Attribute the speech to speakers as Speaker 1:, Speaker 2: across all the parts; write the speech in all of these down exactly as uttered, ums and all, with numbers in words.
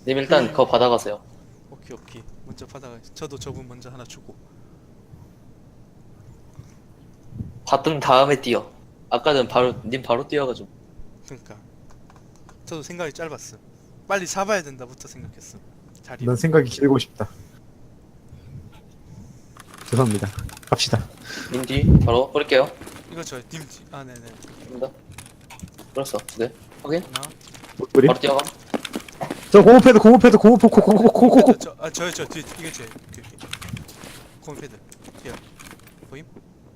Speaker 1: 님 일단 그거 받아가세요.
Speaker 2: 오케이 오케이. 먼저 받아가. 저도 저분 먼저 하나 주고.
Speaker 1: 받은 다음에 뛰어. 아까는 바로 님 바로 뛰어가지고.
Speaker 2: 그러니까 저도 생각이 짧았어. 빨리 잡아야 된다부터 생각했어. 자리.
Speaker 3: 난 생각이 길고 싶다. 죄송합니다. 갑시다.
Speaker 1: 님 뒤 바로 뿌릴게요.
Speaker 2: 이거 저님 아 네네.
Speaker 1: 입니다. 뿌렸어. 네. 확인.
Speaker 2: 하나.
Speaker 3: 우리
Speaker 1: 바로 뛰어가.
Speaker 3: 저 공업패드 공업패드 공업포 코코코코코코.
Speaker 2: 저아 저요 저 뒤에 이게 제 오케이 오케이. 콤패드 뒤에 보임?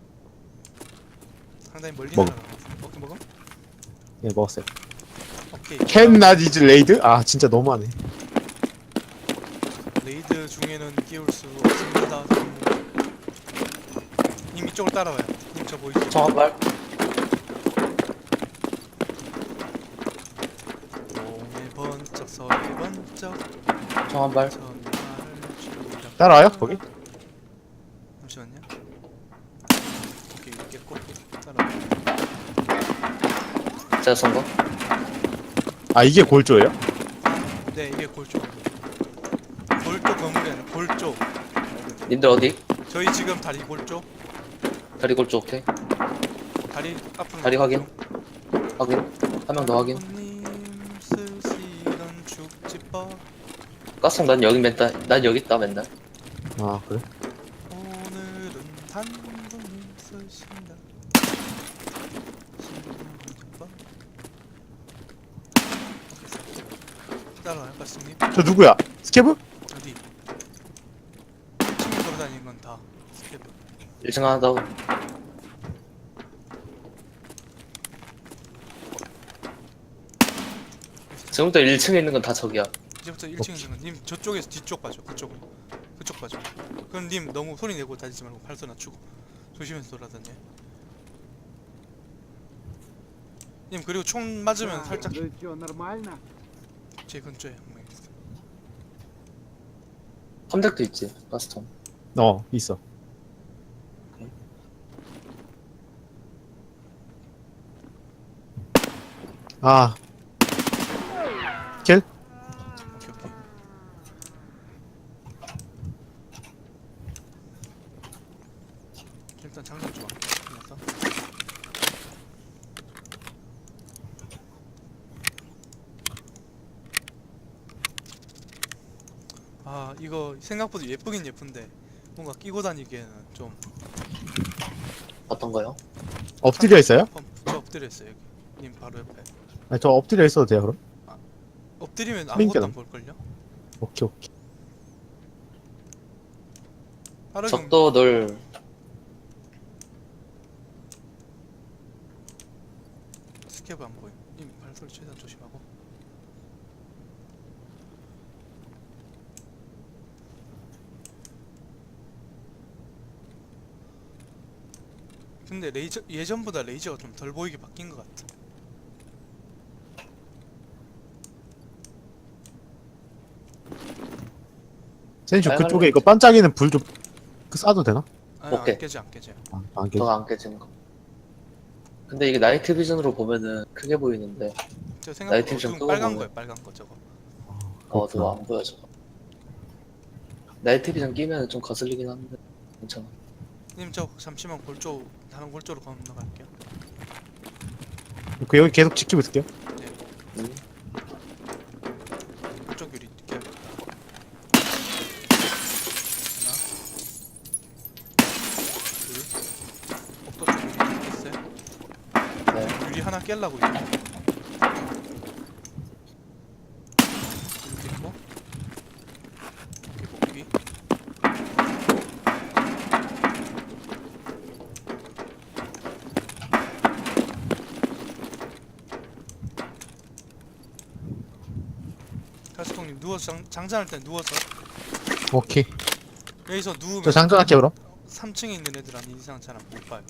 Speaker 2: 상당히 멀리
Speaker 3: 먹어.
Speaker 2: 날아가. 오케이 먹어?
Speaker 3: 예 먹었어요.
Speaker 2: 오케이.
Speaker 3: 캔 나디즈 레이드? 아 진짜 너무하네.
Speaker 2: 레이드 중에는 끼울 수 없습니다. 님 이쪽으로 따라와요. 님 저 보이시죠?
Speaker 1: 총 한 발.
Speaker 2: 동해 번쩍 서해 번쩍
Speaker 1: 총 한 발.
Speaker 2: 전날을 주라.
Speaker 3: 따라와요 거기?
Speaker 2: 잠시만요. 오케이 있겠고 따라와.
Speaker 1: 제가 쏜 거.
Speaker 3: 아 이게 골조예요?
Speaker 2: 네 이게 골조. 골조 건물이 아니라 골조.
Speaker 1: 님들 어디?
Speaker 2: 저희 지금 다리 골조.
Speaker 1: 다리 골조 오케이.
Speaker 2: 다리 앞으로.
Speaker 1: 다리 확인. 확인. 한 명 더 확인.
Speaker 2: 님 쓰시던 죽집밥
Speaker 1: 가스통 난 여기 맨날 난 여기 있다 맨날.
Speaker 3: 아 그래?
Speaker 2: 오늘은 단독님 쓰신다. 죽집밥. 따라와요 가스님.
Speaker 3: 저 누구야? 스케브?
Speaker 2: 어디? 친구 돌아다니는 건 다 스케브.
Speaker 1: 일 층 하나 더. 지금부터 일 층에 있는 건 다 적이야.
Speaker 2: 이제부터 일 층에서는 님 저쪽에서 뒤쪽 봐줘. 그쪽으로. 그쪽 봐줘. 그럼 님 너무 소리 내고 다니지 말고 발소 낮추고 조심해서 돌아다녀. 님 그리고 총 맞으면 살짝
Speaker 4: Ну чё, нормально?
Speaker 2: 제 근처에 한 명 있어.
Speaker 1: 컴택도 있지. 가스통.
Speaker 3: 어 있어. 아 킬?
Speaker 2: 오케이 오케이. 일단 장전 좀 할게. 끝났어? 아 이거 생각보다 예쁘긴 예쁜데 뭔가 끼고 다니기에는 좀
Speaker 1: 어떤 거요?
Speaker 3: 엎드려 있어요?
Speaker 2: 펌, 저 엎드려 있어요 여기. 님 바로 옆에.
Speaker 3: 아니 저 엎드려 있어도 돼요 그럼?
Speaker 2: 엎드리면
Speaker 3: 그러니까.
Speaker 2: 아무것도 안 볼걸요?
Speaker 3: 오케이 오케이.
Speaker 2: 빠르게
Speaker 1: 적도 널
Speaker 2: 스케브 안 보임. 님 발소리 최대한 조심하고. 근데 레이저 예전보다 레이저가 좀 덜 보이게 바뀐 것 같아.
Speaker 3: 센슈
Speaker 1: 빨간
Speaker 3: 그쪽에
Speaker 1: 라이트.
Speaker 3: 이거 반짝이는 불 좀 쏴도 되나?
Speaker 2: 아니,
Speaker 1: 오케이.
Speaker 2: 안 깨져 안 깨져.
Speaker 3: 아, 안 돼.
Speaker 1: 더 안 깨지는 거. 근데 이게 나이트 비전으로 보면은 크게 보이는데
Speaker 2: 저
Speaker 1: 나이트
Speaker 2: 생각보다
Speaker 1: 좀
Speaker 2: 어두운
Speaker 1: 끄고
Speaker 2: 빨간
Speaker 1: 보면.
Speaker 2: 거예요 빨간 거 저거.
Speaker 1: 어두워 안 보여 저거. 나이트 비전 끼면 좀 거슬리긴 한데 괜찮아.
Speaker 2: 님 저 잠시만 골조 다른 골조로 건너갈게요.
Speaker 3: 그 여기 계속 지키고 있을게요.
Speaker 1: 음.
Speaker 2: 골조 유리 깨야겠다. 하나 둘 복도 쪽 유리 깼어요?
Speaker 1: 네.
Speaker 2: 유리 하나 깰라고 이제. 이렇게 있고 이렇게 복귀. 가스통님 누워서 장, 장전할 때 누워서
Speaker 3: 오케이.
Speaker 2: 여기서 누우면
Speaker 3: 저 장전할게요 그럼.
Speaker 2: 삼 층에 있는 애들 아닌 이상 잘 못 봐요.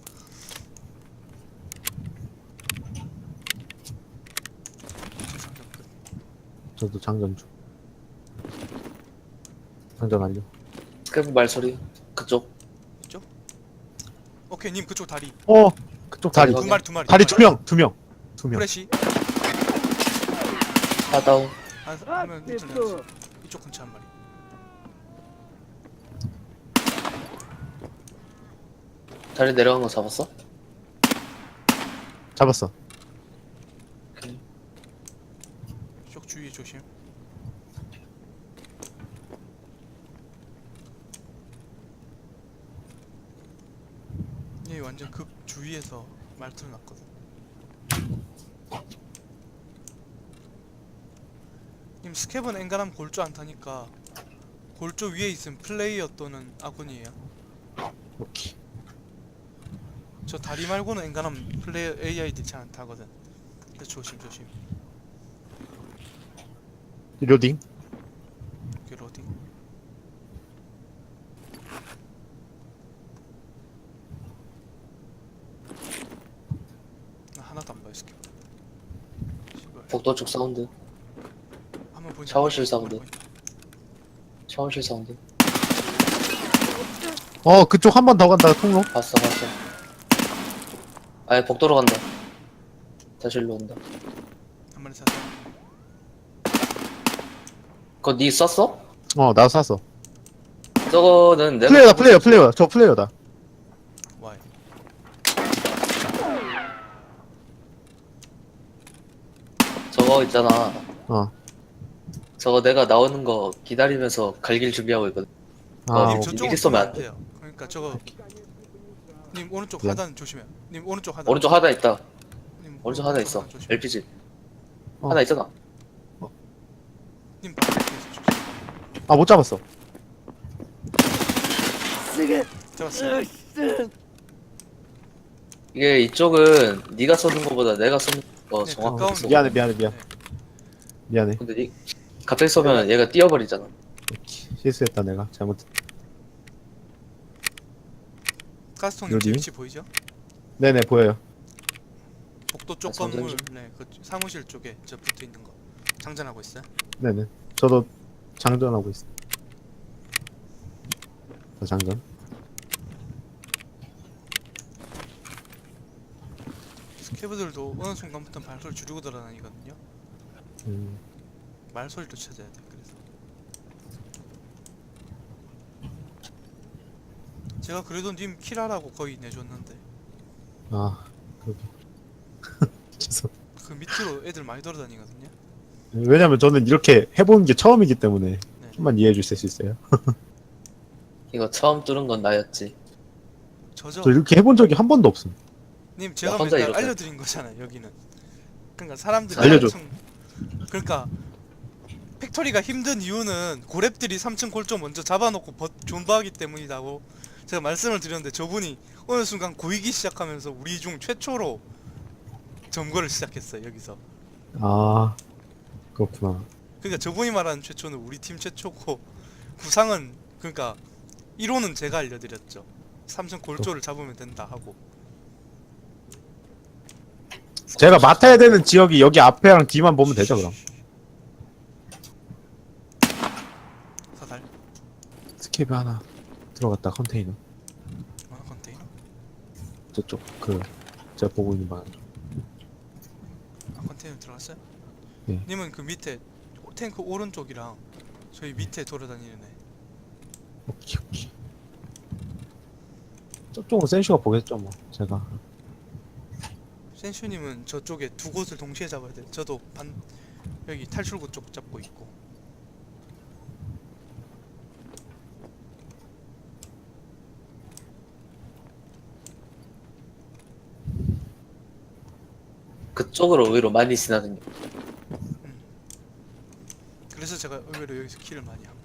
Speaker 2: 장전 끝.
Speaker 3: 저도 장전 중. 장전 완료.
Speaker 1: 스크래프 말소리 그쪽.
Speaker 2: 있죠? 오케이 님 그쪽 다리
Speaker 3: 어 그쪽 다리.
Speaker 1: 다리
Speaker 2: 두 마리 두 마리
Speaker 3: 다리 두 명, 두 명, 두 명.
Speaker 2: 프레시
Speaker 1: 하다운.
Speaker 2: 한, 하면 이쪽 내야지. 이쪽 근처 한 마리.
Speaker 1: 다리 내려간 거 잡았어?
Speaker 3: 잡았어.
Speaker 2: 이쪽 주위에 조심. 얘 완전 극 주위에서 말투를 놨거든. 님 스캡은 엔간하면 골조 안 타니까 골조 위에 있으면 플레이어 또는 아군이에요.
Speaker 3: 오케이.
Speaker 2: 저 다리 말고는 엔간하면 플레이어 에이아이디 잘 안 타거든. 그래서 조심 조심.
Speaker 3: 로딩.
Speaker 2: 이게 로딩. 나 하나도 안 봐요 스캡. 씨발.
Speaker 1: 복도 쪽 사운드.
Speaker 2: 한번 보인다.
Speaker 1: 샤워실
Speaker 2: 한번
Speaker 1: 사운드.
Speaker 2: 보인다.
Speaker 1: 샤워실 사운드.
Speaker 3: 어 그쪽 한 번 더 간다 통로.
Speaker 1: 봤어 봤어. 아예 복도로 간다. 다시 일로 온다.
Speaker 2: 한 마리 샀어.
Speaker 1: 그거 니 썼어?
Speaker 3: 어 나도 샀어.
Speaker 1: 저거는 내가
Speaker 3: 플레이어다 플레이어 플레이어. 저 플레이어다.
Speaker 2: 와이.
Speaker 1: 저거 있잖아.
Speaker 3: 어.
Speaker 1: 저거 내가 나오는 거 기다리면서 갈길 준비하고 있거든.
Speaker 3: 아
Speaker 2: 님
Speaker 1: 어,
Speaker 3: 오케이.
Speaker 2: 저쪽으로
Speaker 1: 미리 쏘면
Speaker 2: 쏘면
Speaker 1: 안
Speaker 2: 안 돼요. 그러니까 저거 님 오른쪽
Speaker 3: 미안.
Speaker 2: 하단 조심해. 님 오른쪽 하단.
Speaker 1: 오른쪽 하나 있다.
Speaker 2: 님
Speaker 1: 오른쪽 하나 있어.
Speaker 2: 조심해.
Speaker 1: 엘피지.
Speaker 3: 어.
Speaker 1: 하나 있잖아.
Speaker 2: 님 바깥에서 조심.
Speaker 3: 아 못 잡았어.
Speaker 2: 잡았어요.
Speaker 1: 이게 이쪽은 네가 쏘는 거보다 내가 쏘는 거
Speaker 2: 네,
Speaker 1: 정확하게
Speaker 2: 가까운
Speaker 1: 쏘.
Speaker 3: 미안해 미안해 미안.
Speaker 2: 네.
Speaker 3: 미안해.
Speaker 1: 근데 니 갑자기 쏘면 얘가 뛰어버리잖아.
Speaker 3: 실수했다 내가 잘못.
Speaker 2: 가스통님
Speaker 3: 어디?
Speaker 2: 제 위치 보이죠?
Speaker 3: 네네 보여요.
Speaker 2: 복도 쪽
Speaker 1: 아, 장전
Speaker 2: 건물,
Speaker 1: 좀.
Speaker 2: 네, 그 사무실 쪽에 저 붙어 있는 거 장전하고 있어요.
Speaker 3: 네네. 저도 장전하고 있어. 저 장전.
Speaker 2: 스케브들도 어느 순간부터 발소리 줄이고 돌아다니거든요.
Speaker 3: 음.
Speaker 2: 말소리도 찾아야 돼. 그래서 제가 그래도 님 킬하라고 거의 내줬는데
Speaker 3: 아 그러게. 죄송.
Speaker 2: 그 밑으로 애들 많이 돌아다니거든요.
Speaker 3: 왜냐면 저는 이렇게 해보는 게 처음이기 때문에
Speaker 2: 네.
Speaker 3: 좀만 이해해 주실 수 있어요?
Speaker 1: 이거 처음 뚫은 건 나였지.
Speaker 2: 저죠.
Speaker 3: 저 이렇게 해본 적이 한 번도 없음.
Speaker 2: 님 제가
Speaker 1: 혼자
Speaker 2: 맨날
Speaker 1: 이렇게.
Speaker 2: 알려드린 거잖아요. 여기는. 그러니까 사람들이
Speaker 3: 알려줘.
Speaker 2: 삼 층 그러니까 팩토리가 힘든 이유는 고랩들이 삼 층 골조 먼저 잡아놓고 버, 존버하기 때문이라고 제가 말씀을 드렸는데 저분이 어느 순간 고이기 시작하면서 우리 중 최초로 점거를 시작했어요. 여기서.
Speaker 3: 아 그렇구나.
Speaker 2: 그러니까 저분이 말하는 최초는 우리 팀 최초고 구상은 그러니까 이론은 제가 알려드렸죠. 삼 층 골조를 잡으면 된다 하고.
Speaker 3: 제가 맡아야 되는 지역이 여기 앞에랑 뒤만 보면 되죠 그럼.
Speaker 2: 사달.
Speaker 3: 스케이프 하나 들어갔다 컨테이너.
Speaker 2: 아 컨테이너.
Speaker 3: 저쪽 그 제가 보고 있는 방.
Speaker 2: 아 컨테이너 들어갔어요?
Speaker 3: 네.
Speaker 2: 님은 그 밑에 탱크 오른쪽이랑 저희 밑에 돌아다니는 애.
Speaker 3: 오케이 오케이. 저쪽은 센슈가 보겠죠 뭐 제가.
Speaker 2: 센슈님은 저쪽에 두 곳을 동시에 잡아야 돼. 저도 반 여기 탈출구 쪽 잡고 있고.
Speaker 1: 그쪽으로 의외로 많이 지나다녀.
Speaker 2: 그래서 제가 의외로 여기서 킬을 많이 함.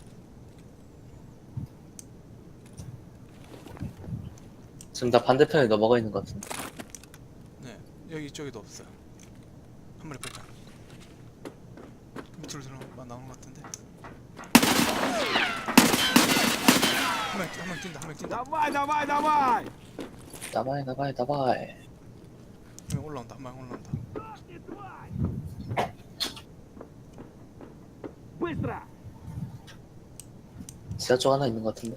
Speaker 1: 지금 다 반대편에 넘어가 있는 것 같은데.
Speaker 2: 네, 여기 이쪽에도 없어요. 한 마리 뺐다. 밑으로 들어 나오는 것 같은데. 한 명, 한명 뛴다, 한 명 뛴다.
Speaker 4: Давай, давай, давай!
Speaker 1: 나바이 나바이 나바이.
Speaker 2: 한 명 올라온다, 한 명 올라온다.
Speaker 4: Быстро!
Speaker 1: 지하 쪽 하나 있는 것 같은데.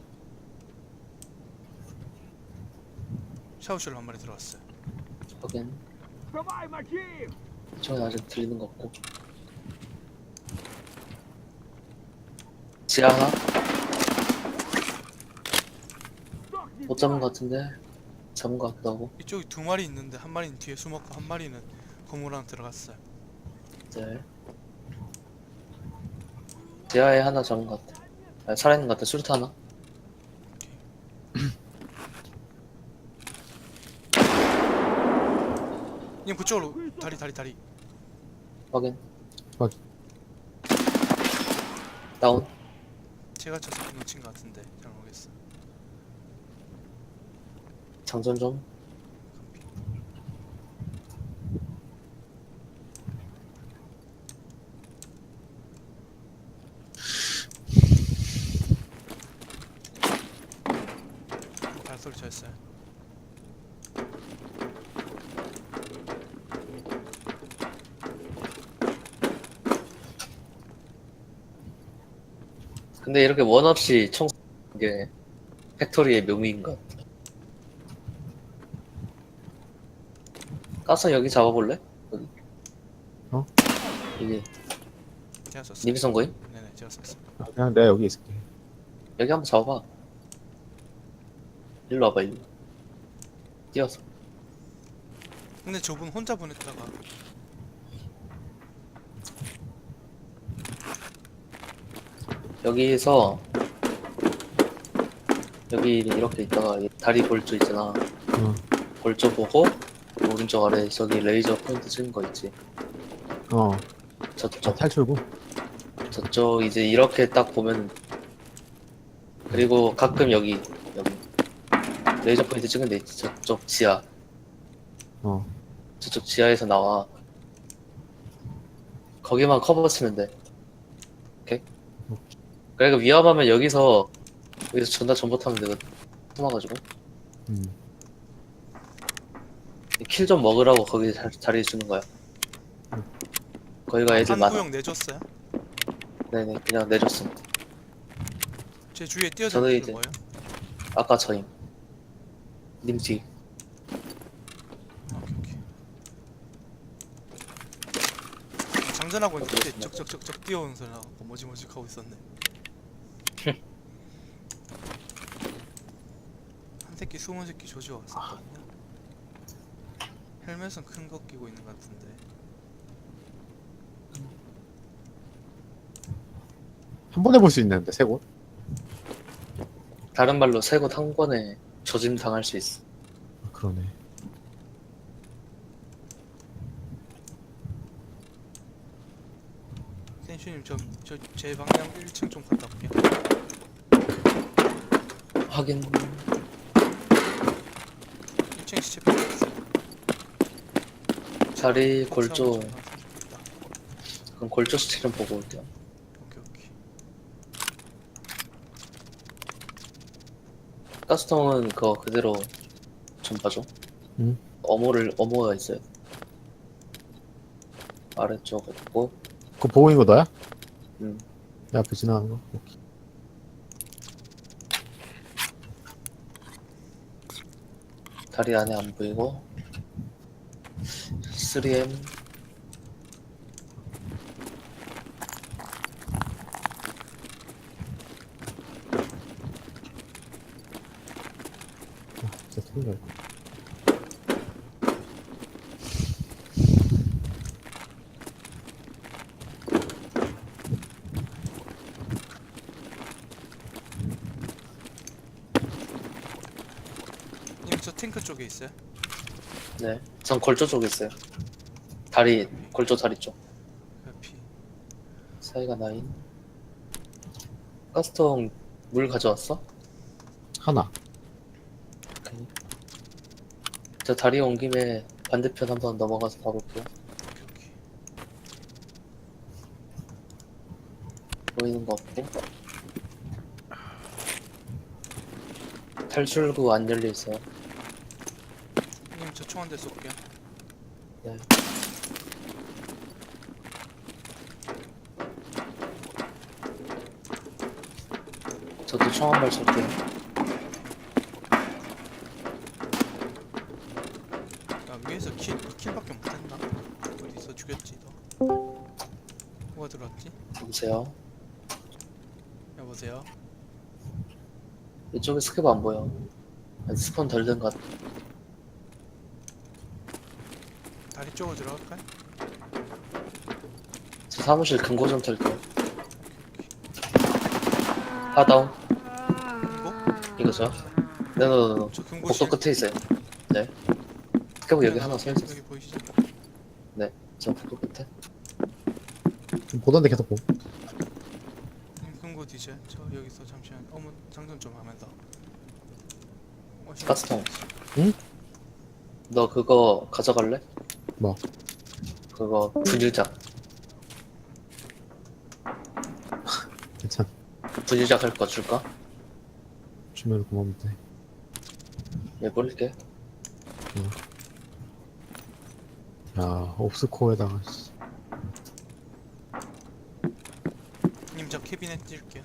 Speaker 2: 샤워실로 한 마리 들어왔어요.
Speaker 1: 거긴
Speaker 4: Давай, Маким!
Speaker 1: 이쪽은 아직 들리는 것 같고. 지하 하나? 못 잡은 것 같은데? 잡은 것 같기도 하고.
Speaker 2: 이쪽에 두 마리 있는데 한 마리는 뒤에 숨었고 한 마리는 건물 안에 들어갔어요.
Speaker 1: 네. 지하에 하나 잡은 것 같아. 아, 살아있는 것 같아. 수류탄 하나?
Speaker 2: 님 그쪽으로 다리 다리 다리.
Speaker 1: 확인.
Speaker 3: 확인.
Speaker 1: 다운.
Speaker 2: 제가 쳐서 놓친 것 같은데 잘 모르겠어.
Speaker 1: 장전 좀.
Speaker 2: 발소리 쳤어요.
Speaker 1: 근데 이렇게 원 없이 총 쏘는 게 팩토리의 묘미인 것 같아. 가서 여기 잡아볼래? 여기.
Speaker 3: 어?
Speaker 1: 여기.
Speaker 2: 제가 쐈어요.
Speaker 1: 님이 쏜 거임?
Speaker 2: 네네 제가 쐈어요.
Speaker 3: 아, 그냥 내가 여기 있을게.
Speaker 1: 여기 한번 잡아봐. 일로 와봐, 일로. 뛰어서.
Speaker 2: 근데 저분 혼자 보냈다가
Speaker 1: 여기서 여기 이렇게 있다가 이 다리 골조 있잖아.
Speaker 3: 어.
Speaker 1: 골조 보고 오른쪽 아래 저기 레이저 포인트 찍은 거 있지.
Speaker 3: 어.
Speaker 1: 저쪽
Speaker 3: 저 탈출구.
Speaker 1: 저쪽 이제 이렇게 딱 보면 그리고 가끔 여기 여기 레이저 포인트 찍은 데 있지. 저쪽 지하
Speaker 3: 어.
Speaker 1: 저쪽 지하에서 나와. 거기만 커버 치면 돼. 오케이? 그러니까 위험하면 여기서 여기서 전다 전봇 하면 되거든. 숨어가지고
Speaker 3: 음.
Speaker 1: 킬 좀 먹으라고 거기 자, 자리 주는 거야. 거기가 애들
Speaker 2: 한
Speaker 1: 많아.
Speaker 2: 구역 내줬어요?
Speaker 1: 네네 그냥 내줬음.
Speaker 2: 제 주위에
Speaker 1: 저도
Speaker 2: 뛰어다니는
Speaker 1: 이제-
Speaker 2: 거예요?
Speaker 1: 아까 저임. 님 뒤.
Speaker 2: 아, 오케이 오케이. 장전하고 있는데
Speaker 1: 그렇습니다.
Speaker 2: 적적적적 뛰어오는 소리 나고 머지머지 하고 있었네. 한 새끼 숨은 새끼 조지어 왔었거든요. 헬멧은 큰 거 끼고 있는 것 같은데.
Speaker 3: 한 번에 볼 수 있는데 세 곳.
Speaker 1: 다른 말로 세 곳 한 번에 조짐 당할 수 있어.
Speaker 3: 아, 그러네.
Speaker 2: 센슈님 저저 제 방향 일 층 좀 갔다 올게요.
Speaker 1: 확인.
Speaker 2: 일 층 시체 빼고 있어요.
Speaker 1: 자리 골조.
Speaker 2: 복사하고 좀 있다.
Speaker 1: 그럼 골조 수치 좀 보고 올게요.
Speaker 2: 오케이 오케이.
Speaker 1: 가스통은 그거 그대로 좀 봐줘.
Speaker 3: 응.
Speaker 1: 어모를 어모가 있어요. 아래쪽 없고.
Speaker 3: 그거 보고 있는 거 너야?
Speaker 1: 음.
Speaker 3: 내 앞에 지나가는 거. 오케이.
Speaker 1: 다리 안에 안 보이고. 쓰리 엠.
Speaker 3: 아, 진짜 틀려.
Speaker 2: 님 저 탱크 쪽에 있어요?
Speaker 1: 네. 전 골조 쪽에 있어요. 다리 골조 다리 쪽.
Speaker 2: 옆이.
Speaker 1: 사이가 나인. 가스통 물 가져왔어?
Speaker 3: 하나.
Speaker 1: 오케이. 저 다리 온 김에 반대편 한번 넘어가서 봐볼게요.
Speaker 2: 오케이 오케이.
Speaker 1: 보이는 거 없고. 탈출구 안 열려 있어요.
Speaker 2: 님 저 총 한 대 쏠게요.
Speaker 1: 네. 저도 총 한 발 쏠게요.
Speaker 2: 야 위에서 킬 킬밖에 못했나? 어디서 죽였지 너? 뭐가 들어왔지?
Speaker 1: 보세요.
Speaker 2: 여보세요?
Speaker 1: 이쪽에 스케브 안 보여. 아니, 스폰 덜 된 것 같아.
Speaker 2: 다리 쪽으로 들어갈까요?
Speaker 1: 저 사무실 금고 좀 털게요. 하다운.
Speaker 2: 이거?
Speaker 1: 이거죠? 네네네.
Speaker 2: 저 금고실
Speaker 1: 복도 끝에 있어요. 네. 스케브 여기 하나 서 있었어.
Speaker 2: 여기 보이시죠?
Speaker 1: 네. 저 복도 끝에.
Speaker 3: 보던데 계속 보.
Speaker 2: 님 금고 뒤져. 저 여기서 잠시만 어머 장전 좀 하면서. 어, 씨.
Speaker 1: 가스통.
Speaker 3: 응?
Speaker 1: 너 그거 가져갈래?
Speaker 3: 뭐?
Speaker 1: 그거 분유작.
Speaker 3: 괜찮.
Speaker 1: 분유작 할 거 줄까?
Speaker 3: 주면 고맙는데.
Speaker 1: 얘 버릴게.
Speaker 3: 야, 옵스코어에다가 씨.
Speaker 2: 님저 캐비넷 뛸게요.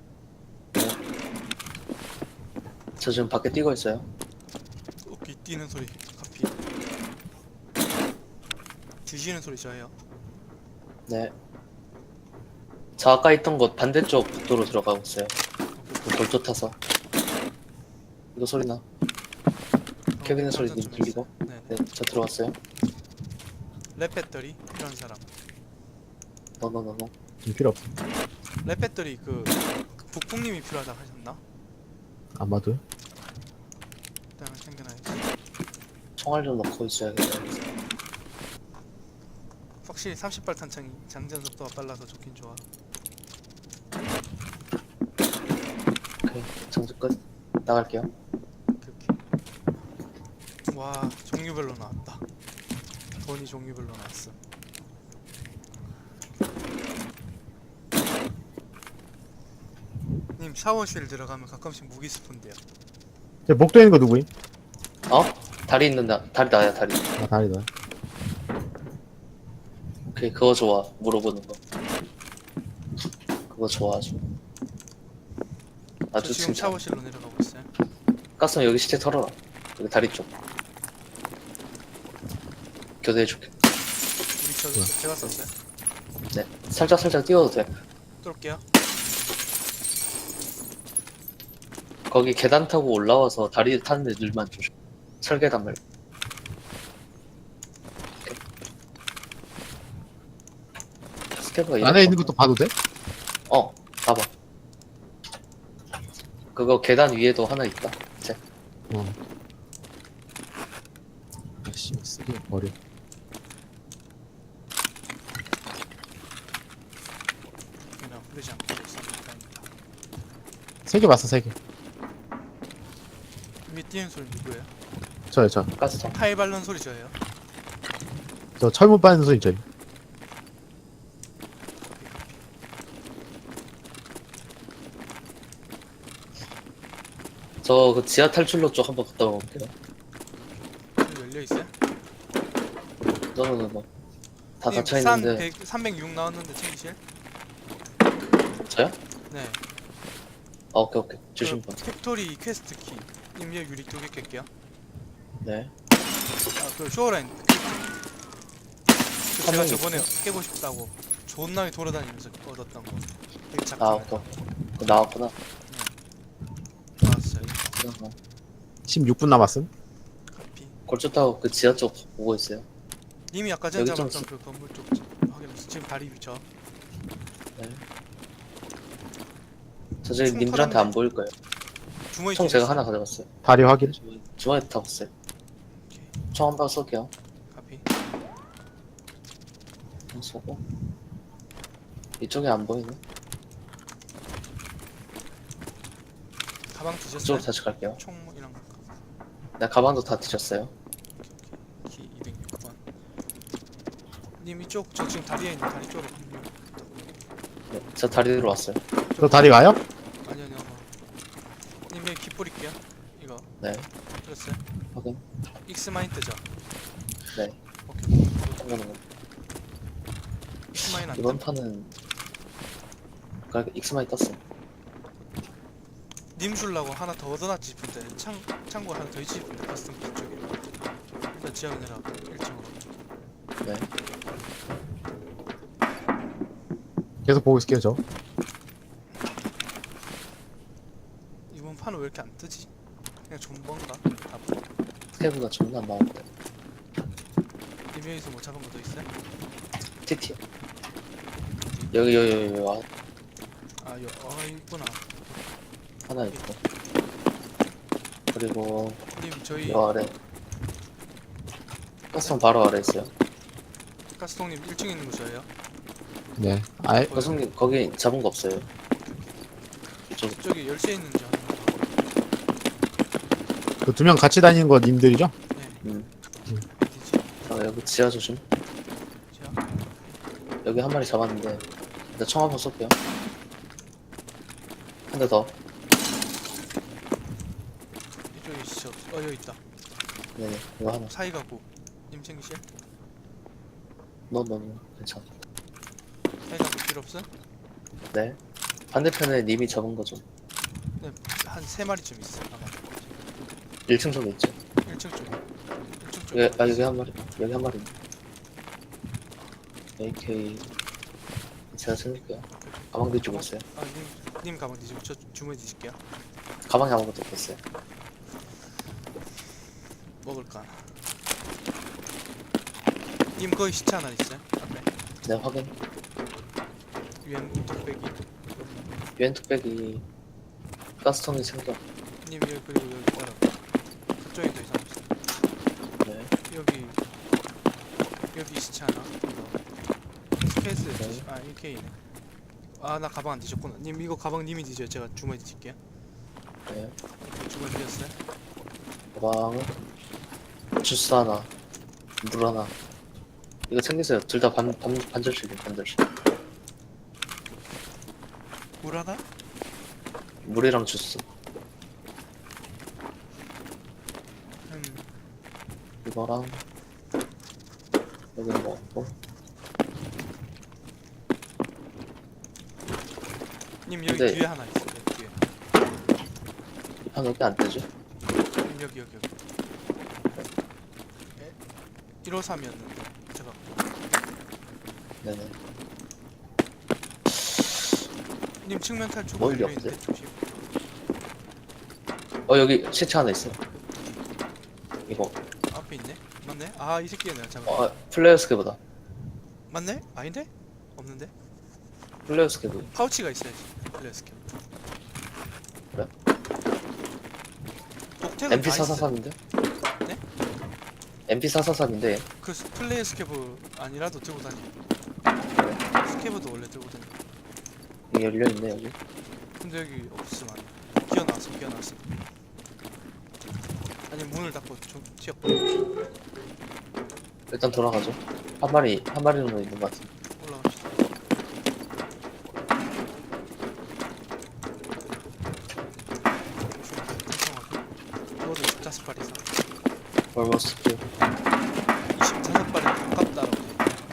Speaker 1: 저 지금 밖에 뛰고 있어요.
Speaker 2: 오케이 뛰는 소리 카피. 뒤지는 소리 저예요.
Speaker 1: 네. 저 아까 있던 곳 반대쪽 복도로 들어가고 있어요. 그 골조 타서. 이거 소리 나. 캐비넷 소리
Speaker 2: 장전 좀
Speaker 1: 들리고?
Speaker 2: 했어요.
Speaker 1: 네,
Speaker 2: 네네.
Speaker 1: 저 들어왔어요.
Speaker 2: 랩 배터리 필요한 사람.
Speaker 1: 너너너너.
Speaker 3: 좀 필요 없어.
Speaker 2: 랩 배터리 그 북풍님이 필요하다 하셨나?
Speaker 3: 아마도.
Speaker 2: 일단은 챙겨놔야지.
Speaker 1: 총알 좀 넣고 있어야겠네.
Speaker 2: 확실히 삼십 발 탄창이 장전 속도가 빨라서 좋긴 좋아.
Speaker 1: 오케이. 정지 끝. 나갈게요.
Speaker 2: 오케이, 오케이. 와 종류별로 나왔다. 돈이 종류별로 나왔어. 님 샤워실 들어가면 가끔씩 무기 스폰돼요.
Speaker 3: 저 목도에 있는 거 누구임?
Speaker 1: 어? 다리 있는다. 다리 나야, 다리.
Speaker 3: 아, 다리다.
Speaker 1: 오케이, 그거 좋아. 물어보는 거. 그거 좋아, 아주.
Speaker 2: 저
Speaker 1: 아주
Speaker 2: 지금
Speaker 1: 진짜.
Speaker 2: 샤워실로 내려가고 있어요.
Speaker 1: 가스는 여기 시체 털어라. 여기 다리 쪽. 교대해줄게.
Speaker 2: 우리 저
Speaker 3: 뭐야?
Speaker 2: 제가 썼어요.
Speaker 1: 네. 살짝 살짝 띄워도 돼.
Speaker 2: 뚫을게요.
Speaker 1: 거기 계단 타고 올라와서 다리 타는 애들만 조심. 철계단 말고. 오케이. 스케브가
Speaker 3: 안에 있는
Speaker 1: 이렇게
Speaker 3: 것도 봐도 돼?
Speaker 1: 어, 봐봐. 그거 계단 위에도 하나 있다. 이제
Speaker 3: 어. 아씨, 쓰기 버려.
Speaker 2: 그냥 흐르지 않고 쏩니다.
Speaker 3: 세 개 봤어, 세 개.
Speaker 2: 위에 뛰는 소리 누구예요?
Speaker 3: 저요, 저.
Speaker 1: 가스통.
Speaker 2: 타일 발른 소리 저예요.
Speaker 3: 저 철문 빠는 소리 저요.
Speaker 1: 저 그 지하 탈출로 쪽 한번 갔다 올게요.
Speaker 2: 여기 열려 있어요?
Speaker 1: 너는 뭐. 다
Speaker 2: 님,
Speaker 1: 닫혀
Speaker 2: 산
Speaker 1: 있는데.
Speaker 2: 백, 삼백육 나왔는데 챙기실?
Speaker 1: 저요?
Speaker 2: 네.
Speaker 1: 아, 오케이, 오케이. 주신
Speaker 2: 그
Speaker 1: 분.
Speaker 2: 팩토리 퀘스트 키. 님 여기 유리 두 개 깰게요.
Speaker 1: 네.
Speaker 2: 아그 쇼라인 퀘스트. 그 제가
Speaker 1: 한
Speaker 2: 저번에 깨고 싶다고 존나게 돌아다니면서 얻었던 거. 되게 작은
Speaker 1: 아,
Speaker 2: 거.
Speaker 1: 오케이. 그거 나왔구나.
Speaker 2: 나왔어요.
Speaker 1: 그냥
Speaker 3: 십육 분 남았음.
Speaker 2: 카피.
Speaker 1: 골조 타고 그 지하 쪽 보고 있어요.
Speaker 2: 님이 아까 전에
Speaker 1: 여기 좀
Speaker 2: 잡았던
Speaker 1: 쓰-
Speaker 2: 그 건물 쪽 확인했어. 지금 다리 위쳐.
Speaker 1: 네. 저 지금
Speaker 2: 총
Speaker 1: 님들한테
Speaker 2: 털었네.
Speaker 1: 안 보일 거예요.
Speaker 2: 주머니
Speaker 1: 총
Speaker 2: 뒤에
Speaker 1: 제가
Speaker 2: 있어.
Speaker 1: 하나 가져갔어요.
Speaker 3: 다리 확인.
Speaker 1: 주머니- 주머니에 타봤어요.
Speaker 2: 오케이.
Speaker 1: 총 한 방 쏠게요.
Speaker 2: 카피.
Speaker 1: 총 쏘고. 이쪽에 안 보이네.
Speaker 2: 가방 뒤졌어요?
Speaker 1: 그쪽으로 다시 갈게요.
Speaker 2: 총이랑
Speaker 1: 네, 가방도 다 뒤졌어요.
Speaker 2: 키 이백육 번. 님 이쪽 저 지금 다리에 있는 다리 쪽으로 합류.
Speaker 1: 네, 저 다리로 왔어요.
Speaker 3: 저 다리 가요?
Speaker 2: 아니 아니요. 님 여기 키 뿌릴게요. 이거
Speaker 1: 네,
Speaker 2: 뿌렸어요?
Speaker 1: 확인.
Speaker 2: 익스마인트죠?
Speaker 1: 네,
Speaker 2: 오케이.
Speaker 1: 한번은
Speaker 2: 익스마인 안
Speaker 1: 이번
Speaker 2: 뜸.
Speaker 1: 판은 그러니까 익스마이 떴어.
Speaker 2: 님 줄라고 하나 더 얻어놨지 싶은데 창 창고 하나 더 있지 싶은데 커스텀 쪽에. 일단 지하로 내려가 일 층으로.
Speaker 1: 네,
Speaker 3: 계속 보고 있을게요, 저.
Speaker 2: 왜 이렇게 안 뜨지? 그냥 존버인가? 아,
Speaker 1: 스케브가 존나 안 나오는데.
Speaker 2: 님 여기서 뭐 잡은 거 더 있어요?
Speaker 1: 티티요. 여기 여기 여기 와
Speaker 2: 아, 여, 어, 있구나.
Speaker 1: 하나 있고. 그리고
Speaker 2: 님 저희
Speaker 1: 요 아래. 가스통 바로 아래 있어요.
Speaker 2: 가스통님 일 층에 있는 거 저예요?
Speaker 3: 네. 아이,
Speaker 1: 가스통님 거기 잡은 거 없어요. 이쪽
Speaker 2: 저기 열쇠 있는지 하는 거.
Speaker 3: 그 두 명 같이 다니는 거 님들이죠?
Speaker 2: 네.
Speaker 1: 음.
Speaker 2: 어디지?
Speaker 1: 아, 여기 지하 조심.
Speaker 2: 제가
Speaker 1: 여기 한 마리 잡았는데 일단 총 한번 쏠게요. 한 대 더.
Speaker 2: 이쪽에 있어. 어 여기 있다.
Speaker 1: 네네. 이거 하나.
Speaker 2: 사이 가고. 님 챙기실?
Speaker 1: 너너너 괜찮아.
Speaker 2: 사이 가고 필요 없어?
Speaker 1: 네. 반대편에 님이 잡은 거 좀.
Speaker 2: 네. 한 세 마리쯤 있어. 아마.
Speaker 1: 일 층 쪽에 있죠.
Speaker 2: 일 층 쪽에. 일 층 쪽에.
Speaker 1: 여기, 아 여기 한 마리. 여기 한 마리. 에이케이. 제가 챙길게요. 가방 뒤쪽에 있어요.
Speaker 2: 아, 님, 님 가방 뒤지고 저 주머니 뒤질게요.
Speaker 1: 가방에 아무것도 없었어요.
Speaker 2: 먹을까? 님 거기 시체 하나 있어요? 앞에.
Speaker 1: 네 확인.
Speaker 2: 유엔 뚝배기.
Speaker 1: 유엔 뚝배기 가스통이 챙겨.
Speaker 2: 님 여기 그리고 여기 따라. 저쪽에 더 이상 없어.
Speaker 1: 네.
Speaker 2: 여기 여기 시체 하나. 이거. 스페이스.
Speaker 1: 네.
Speaker 2: 아 일케이네. 아 나 가방 안 뒤졌구나. 님 이거 가방 님이 뒤져요. 제가 주머니 뒤질게요.
Speaker 1: 네.
Speaker 2: 주머니 뒤졌어요?
Speaker 1: 가방은 주스 하나, 물 하나. 이거 챙기세요. 둘 다 반, 반, 반절씩이에요. 반절씩.
Speaker 2: 물 하나?
Speaker 1: 물이랑 주스.
Speaker 2: 음.
Speaker 1: 이거랑 여기 뭐 없고.
Speaker 2: 님 여기
Speaker 1: 근데-
Speaker 2: 뒤에 하나 있어요. 여기 뒤에.
Speaker 1: 이판 여기 안 뜨죠?
Speaker 2: 님 여기 여기 여기. 에? 일오삼이었는데 제가
Speaker 1: 네네.
Speaker 2: 님 측면 탈출
Speaker 1: 뭘
Speaker 2: 걸려
Speaker 1: 없지?
Speaker 2: 있는데 조심.
Speaker 1: 어 여기 시체 하나 있어. 이거
Speaker 2: 앞에 있네? 맞네? 아 이 새끼야 내가 잡아.
Speaker 1: 어 플레이어 스케보다.
Speaker 2: 맞네? 아닌데? 없는데?
Speaker 1: 플레이어 스케브.
Speaker 2: 파우치가 있어야지. 플레스캡.
Speaker 1: 그래?
Speaker 2: 독택은
Speaker 1: 엠피
Speaker 2: 다 있어.
Speaker 1: 사사삼인데?
Speaker 2: 네?
Speaker 1: 엠피 사사삼인데
Speaker 2: 그 스- 플레이 스케브 아니라도 들고 다니. 스케브도 원래 들고 다니.
Speaker 1: 이게 열려있네 여기.
Speaker 2: 근데 여기 없으면 안 돼. 기어나왔어 기어나왔어. 아니 문을 닫고 좀 튀었고
Speaker 1: 일단 돌아가죠. 한 마리 한 마리 정도 있는 것 같은데.
Speaker 2: 올라갑시다. 천천하게. 저도 십오 발 이상.
Speaker 1: 얼머스 킬.
Speaker 2: 이십오 발에 가깝다라고.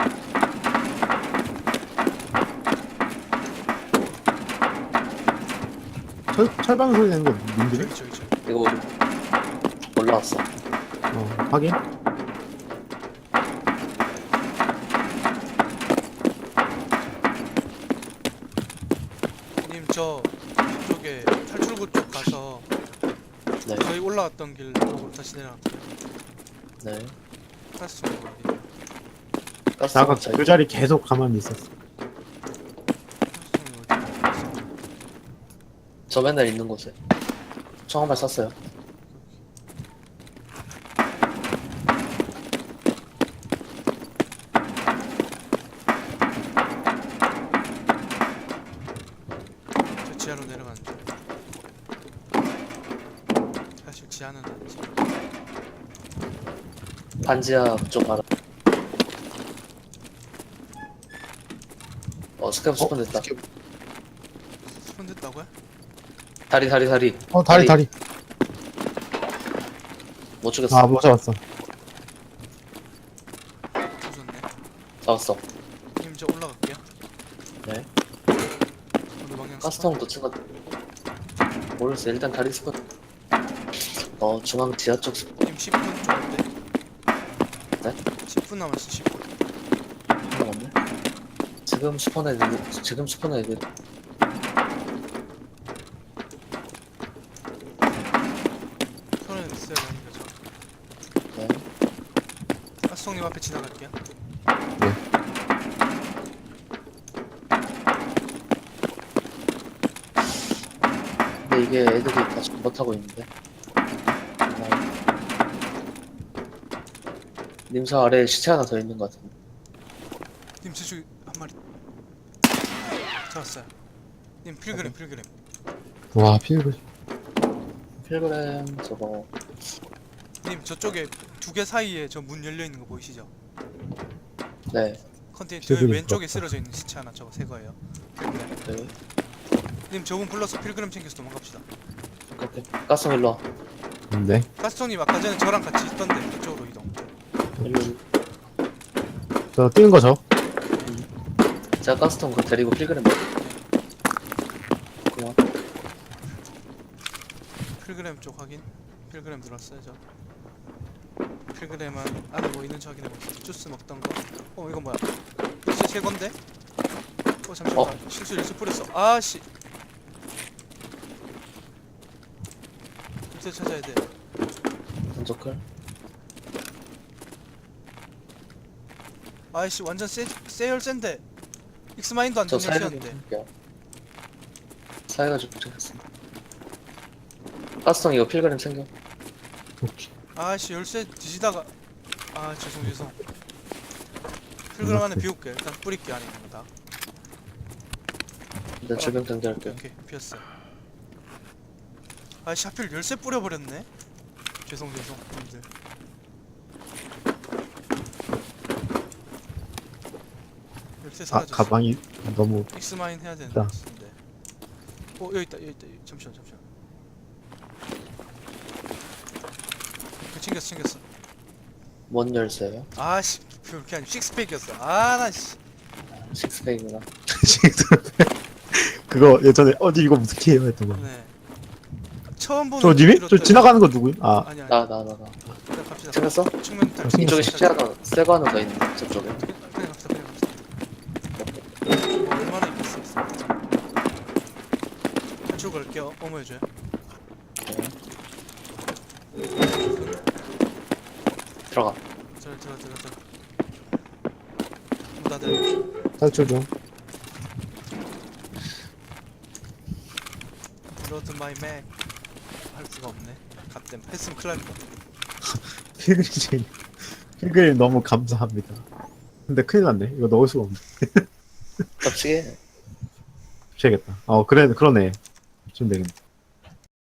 Speaker 3: 철, 철방 소리 내는 거 님들이?
Speaker 2: 저기 저기 저기.
Speaker 1: 이거 우리 올라왔어.
Speaker 3: 어, 확인.
Speaker 2: 님 저 이쪽에 탈출구 쪽 가서
Speaker 1: 네.
Speaker 2: 저희 올라왔던 길 쪽으로 다시 내려갈게요.
Speaker 1: 네.
Speaker 2: 가스 좀 어디?
Speaker 1: 가스
Speaker 3: 나가
Speaker 1: 차
Speaker 3: 그 자리 계속 가만히 있었어.
Speaker 2: 가스 어디? 있어?
Speaker 1: 저 맨날 있는 곳에 총 한 발 쐈어요.
Speaker 2: 저 지하로 내려가는 중. 사실 지하는 아니지.
Speaker 1: 반지하 쪽 알아. 어 스캡 스폰 됐다.
Speaker 2: 스폰 됐다고요?
Speaker 1: 다리 다리 다리.
Speaker 3: 어, 다리, 다리.
Speaker 1: 못 죽였어.
Speaker 3: 아, 못 잡았어.
Speaker 2: 조졌네.
Speaker 1: 잡았어.
Speaker 2: 님 저 올라갈게요.
Speaker 1: 네.
Speaker 2: 어느 방향?
Speaker 1: 가스통 놓친 것 모르겠어. 일단 다리 스폰. 어 중앙 지하 쪽 스폰.
Speaker 2: 님 십 분 정도인데?
Speaker 1: 네?
Speaker 2: 십 분 남았어 십 분.
Speaker 1: 없네. 지금 스폰에 있는 지금 스폰에 있는
Speaker 2: 있어야 되는 거죠.
Speaker 1: 네.
Speaker 2: 가스통님 앞에 지나갈게요.
Speaker 1: 근데 이게 애들이 다 잘못하고 있는데. 어. 님사 아래에 시체 하나 더 있는 것 같은데.
Speaker 2: 님 저쪽에 한 마리 잡았어요. 님 필그램 필그램.
Speaker 3: 와 필그
Speaker 1: 필그램 저거
Speaker 2: 님 저쪽에 두 개 사이에 저 문 열려 있는 거 보이시죠?
Speaker 1: 네.
Speaker 2: 컨테이너
Speaker 3: 필그램
Speaker 2: 왼쪽에
Speaker 3: 부럽다.
Speaker 2: 쓰러져 있는 시체 하나 저거 새 거예요. 필그램.
Speaker 1: 네.
Speaker 2: 님 저분 불러서 필그램 챙겨서 도망갑시다.
Speaker 1: 오케이. 가스 일로 와.
Speaker 3: 네.
Speaker 2: 가스통님 아까 전에 저랑 같이 있던데 그쪽으로 이동.
Speaker 1: 일로.
Speaker 3: 저 뛰는 거죠?
Speaker 1: 제가 가스통 그거 데리고 필그램 먹을게. 고마워.
Speaker 2: 필그램 쪽 확인. 필그램 들었어요 저. 필그램은 안에 뭐 있는지 확인해볼게요. 주스 먹던 거. 어 이거 뭐야? 주스 새 건데? 어 잠시만.
Speaker 1: 어?
Speaker 2: 나 실수 일수 뿌렸어. 아씨. 밑에 찾아야 돼.
Speaker 1: 전조클.
Speaker 2: 아이씨 완전 세, 세 열쇠인데 익스마인도 안
Speaker 1: 저
Speaker 2: 되는
Speaker 1: 사이가
Speaker 2: 열쇠였는데.
Speaker 1: 좀 사이가 좀 부족했습니다. 가스통 이거 필그램 챙겨.
Speaker 3: 오케이.
Speaker 2: 아이씨 열쇠 뒤지다가 아 죄송 죄송. 필그램 안에 비울게. 일단 뿌릴게 안에 있는 거 다.
Speaker 1: 일단 주변 당겨할게요.
Speaker 2: 오케이 피었어요. 아이씨 하필 열쇠 뿌려버렸네. 죄송 죄송 님들. 열쇠
Speaker 3: 아
Speaker 2: 사라졌어.
Speaker 3: 가방이 너무
Speaker 2: 익스마인 해야 되는
Speaker 3: 있다.
Speaker 2: 것 같은데. 어 여기 있다 여기 있다 여기. 잠시만 잠시만. 그 챙겼어 챙겼어.
Speaker 1: 뭔 열쇠예요?
Speaker 2: 아씨 그렇게 아니 식스팩이었어. 아나씨.
Speaker 1: 식스팩이구나.
Speaker 3: 그거 예전에 어디 이거 어떻게 해요 했던 거.
Speaker 2: 네. 처음 보는
Speaker 3: 저 님이? 저
Speaker 2: 이렇더니-
Speaker 3: 지나가는 거 누구임? 아
Speaker 2: 아니 아니.
Speaker 1: 나 나 나 나.
Speaker 2: 그냥 갑시다.
Speaker 1: 챙겼어?
Speaker 2: 측면 탈.
Speaker 3: 아, 챙겼어.
Speaker 1: 이쪽에 시체 하나 새거 하나 더 있는데 저쪽에.
Speaker 2: 그냥 그냥 갑시다 그냥 갑시다. 뭐 얼마나 있겠어. 탈출 걸게요. 어머 해줘요.
Speaker 1: 들어가.
Speaker 2: 들어 들어 들어 들어. 문 닫아요.
Speaker 3: 탈출 중.
Speaker 2: 로드 마이 맥. 할 수가 없네. 갓댐 했으면 큰일 날 뻔.
Speaker 3: 필그림 필그림 너무 감사합니다. 근데 큰일 났네. 이거 넣을 수가 없네.
Speaker 1: 깝치게.
Speaker 3: 붙여야겠다. 어 그래 그러네. 좀 되겠네.